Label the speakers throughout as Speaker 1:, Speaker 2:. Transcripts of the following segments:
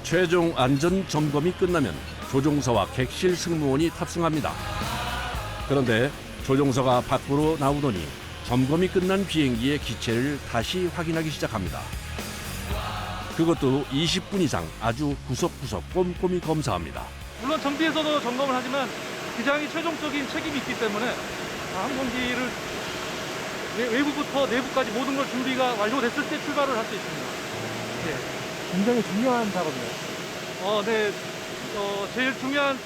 Speaker 1: 최종 안전 점검이 끝나면 조종사와 객실 승무원이 탑승합니다. 그런데 조종사가 밖으로 나오더니 점검이 끝난 비행기의 기체를 다시 확인하기 시작합니다. 그것도 20분 이상 아주 구석구석 꼼꼼히 검사합니다.
Speaker 2: 물론 정비에서도 점검을 하지만 기장이 최종적인 책임이 있기 때문에 항공기를 외부부터 내부까지 모든 걸 준비가 완료됐을 때 출발을 할 수 있습니다. 네.
Speaker 3: 굉장히 중요한 작업이에요.
Speaker 2: 네. 제일 중요한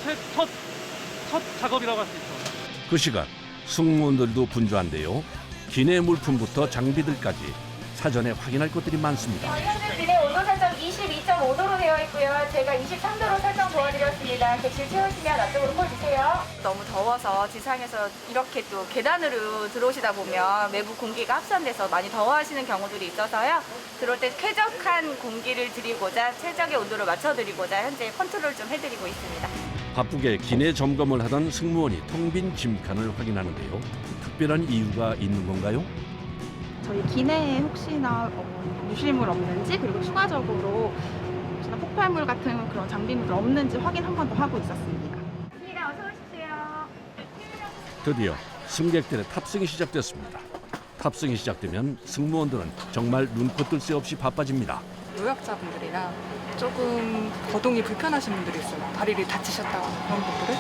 Speaker 2: 첫 작업이라고 할 수 있죠.
Speaker 1: 그 시간 승무원들도 분주한데요. 기내 물품부터 장비들까지 사전에 확인할 것들이 많습니다.
Speaker 4: 현재 기내 온도 설정 22.5도로 되어 있고요. 제가 23도로 설정 도와드렸습니다. 객실 채우시면 앞쪽으로 콜주세요. 너무 더워서 지상에서 이렇게 또 계단으로 들어오시다 보면 외부 공기가 합선돼서 많이 더워하시는 경우들이 있어서요. 들어올 때 쾌적한 공기를 드리고자 최적의 온도를 맞춰드리고자 현재 컨트롤 좀 해드리고 있습니다.
Speaker 1: 바쁘게 기내 점검을 하던 승무원이 텅 빈 짐칸을 확인하는데요. 특별한 이유가 있는 건가요?
Speaker 5: 저희 기내에 혹시나 유실물 없는지, 그리고 추가적으로 혹시나 폭발물 같은 그런 장비물 없는지 확인 한 번 더 하고 있었습니다.
Speaker 4: 어서 오십시오.
Speaker 1: 드디어 승객들의 탑승이 시작됐습니다. 탑승이 시작되면 승무원들은 정말 눈코 뜰 새 없이 바빠집니다.
Speaker 6: 노약자분들이나 조금 거동이 불편하신 분들이 있어요. 다리를 다치셨다거나 그런 분들을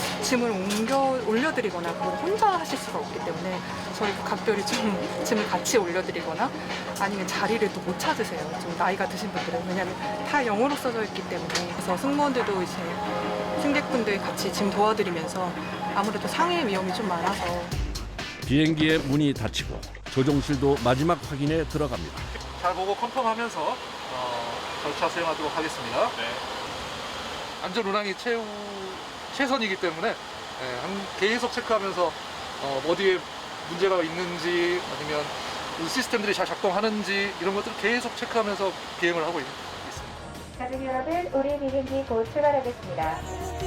Speaker 6: 짐을 올려드리거나 그걸 혼자 하실 수가 없기 때문에 저희가 각별히 좀 짐을 같이 올려드리거나 아니면 자리를 또 못 찾으세요. 좀 나이가 드신 분들은. 왜냐하면 다 영어로 써져 있기 때문에. 그래서 승무원들도 이제 승객분들 같이 짐 도와드리면서 아무래도 상해 위험이 좀 많아서
Speaker 1: 비행기의 문이 닫히고 조종실도 마지막 확인에 들어갑니다.
Speaker 2: 잘 보고 컨펌하면서 절차 수행하도록 하겠습니다. 안전 운항이 최선이기 때문에 계속 체크하면서 어디에 문제가 있는지 아니면 시스템들이 잘 작동하는지 이런 것들을 계속 체크하면서 비행을 하고 있습니다.
Speaker 4: 가족 여러분, 우리 비행기 곧 출발하겠습니다.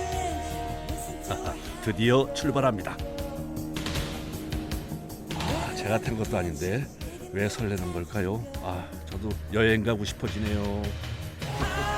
Speaker 1: 드디어 출발합니다. 제가 탄 것도 아닌데 왜 설레는 걸까요? 저도 여행 가고 싶어지네요.